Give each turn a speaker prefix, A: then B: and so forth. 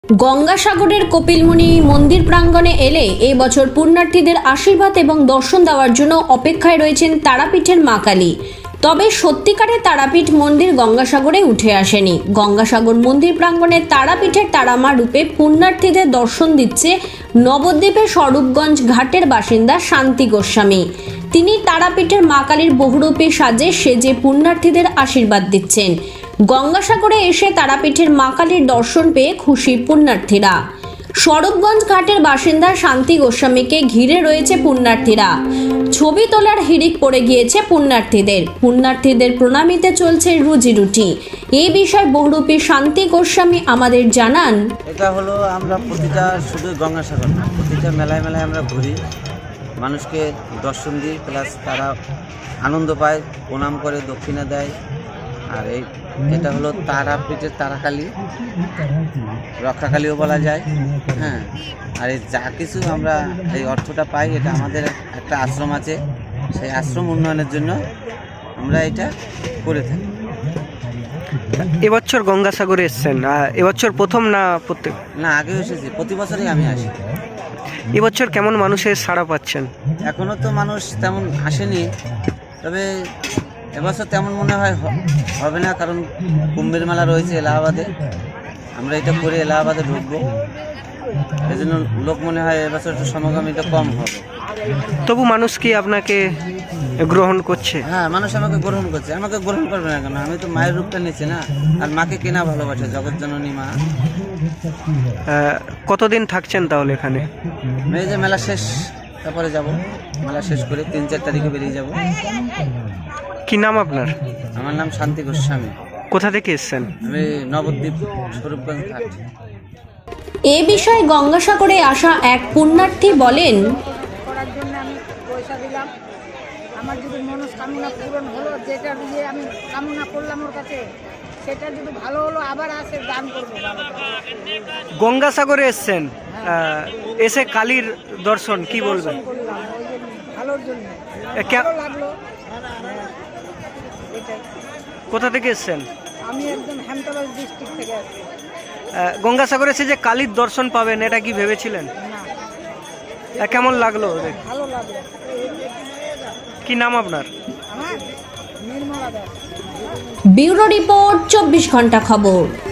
A: গঙ্গাসাগরের কপিলমুনি মন্দির প্রাঙ্গণে এলে এই বছর পুণ্যার্থীদের আশীর্বাদ এবং দর্শন দেওয়ার জন্য অপেক্ষায় রয়েছেন তারাপীঠের মা কালী। তবে সত্যিকারের তারাপীঠ মন্দির গঙ্গাসাগরে উঠে আসেনি। গঙ্গাসাগর মন্দির প্রাঙ্গণে তারাপীঠের তারামা রূপে পুণ্যার্থীদের দর্শন দিচ্ছে নবদ্বীপের স্বরূপগঞ্জ ঘাটের বাসিন্দা শান্তি গোস্বামী। তিনি তারাপীঠের মা কালীর বহুরূপী সাজে সেজে পুণ্যার্থীদের আশীর্বাদ দিচ্ছেন। গঙ্গাসাগরে এসে তারাপীঠের মা কালীর দর্শন পেয়ে খুশি পুণ্যার্থীরা। স্বরূপগঞ্জ ঘাটের বাসিন্দা শান্তি গোস্বামীকে ঘিরে রয়েছে পুণ্যার্থীরা। ছবি তোলার হিড়িক পড়ে গিয়েছে পুণ্যার্থীদের প্রণামিতে চলছে রুজি রুটি। এই বিষয়ে বহুরূপী শান্তি গোস্বামী আমাদের জানান,
B: এটা হলো আমরা প্রতিটা শুধু গঙ্গাসাগর না, প্রতিটা মেলায় মেলায় আমরা ঘুরি, মানুষকে দর্শন দিই, প্লাস তারা আনন্দ পায়, প্রণাম করে, দক্ষিণা দেয়। আর এটা হলো তারাপীঠের তারাকালী, রক্ষাকালীও বলা যায়। হ্যাঁ, আর এই যা কিছু আমরা এই অর্থটা পাই, এটা আমাদের একটা আশ্রম আছে, সেই আশ্রম উন্নয়নের জন্য আমরা এটা করে থাকি।
C: এবছর গঙ্গাসাগরে এসছেন, এবছর প্রথম না প্রত্যেক?
B: না, আগেও এসেছি, প্রতি বছরই আমি আসি।
C: এবছর কেমন মানুষের সাড়া পাচ্ছেন?
B: এখনও তো মানুষ তেমন আসেনি, তবে এবছর তেমন মনে হয় হবে না, কারণ কুম্ভের মেলা রয়েছে এলাহাবাদে। আমরা এটা করে এলাহাবাদে ঢুকবো, এই জন্য লোক মনে হয় এবছর একটু সমাগমটা কম হবে।
C: তবু মানুষ কি আপনাকে গ্রহণ করছে?
B: হ্যাঁ, মানুষ আমাকে গ্রহণ করছে। আমাকে গ্রহণ করবে না কেন? আমি তো মায়ের রূপটা নিচ্ছি না, আর মাকে কেনা ভালোবাসে, জগৎজননী মা।
C: কতদিন থাকছেন তাহলে এখানে?
B: এই যে মেলা শেষ, তারপরে যাব, মেলা শেষ করে 3-4 তারিখে বেরিয়ে যাব।
C: কি নাম আপনার?
B: আমার নাম শান্তি গোস্বামী।
C: কোথা থেকে এসছেন?
B: আমি নবদ্বীপ, স্বরূপগঞ্জ ঘাট।
A: এ বিষয়ে গঙ্গাসাগরে আসা এক পুণ্যার্থী বলেন,
D: করার জন্য আমি পয়সা দিলাম, আমার যদি মনস্কামনা পূরণ হলো, যেটা দিয়ে আমি কামনা করলাম ওর কাছে, সেটা যদি ভালো হলো, আবার আসে দান করবো।
C: গঙ্গাসাগরে এসছেন, এসে কালীর দর্শন কি বলবেন?
D: করলাম ওই জন্য, ভালোর জন্য ভালো লাগলো। এটাই।
C: কোথা থেকে এসছেন?
D: আমি একদম হেমতাবাদ ডিস্ট্রিক্ট থেকে আসছি।
C: গঙ্গাসাগরে এসে যে কালীর দর্শন পাবেন, এটা কি ভেবেছিলেন?
D: না,
C: কেমন লাগলো?
D: ভালো লাগলো।
C: কি নাম আপনার?
D: আমার নির্মলা দাস।
A: ব্যুরো রিপোর্ট, 24 ঘন্টা খবর।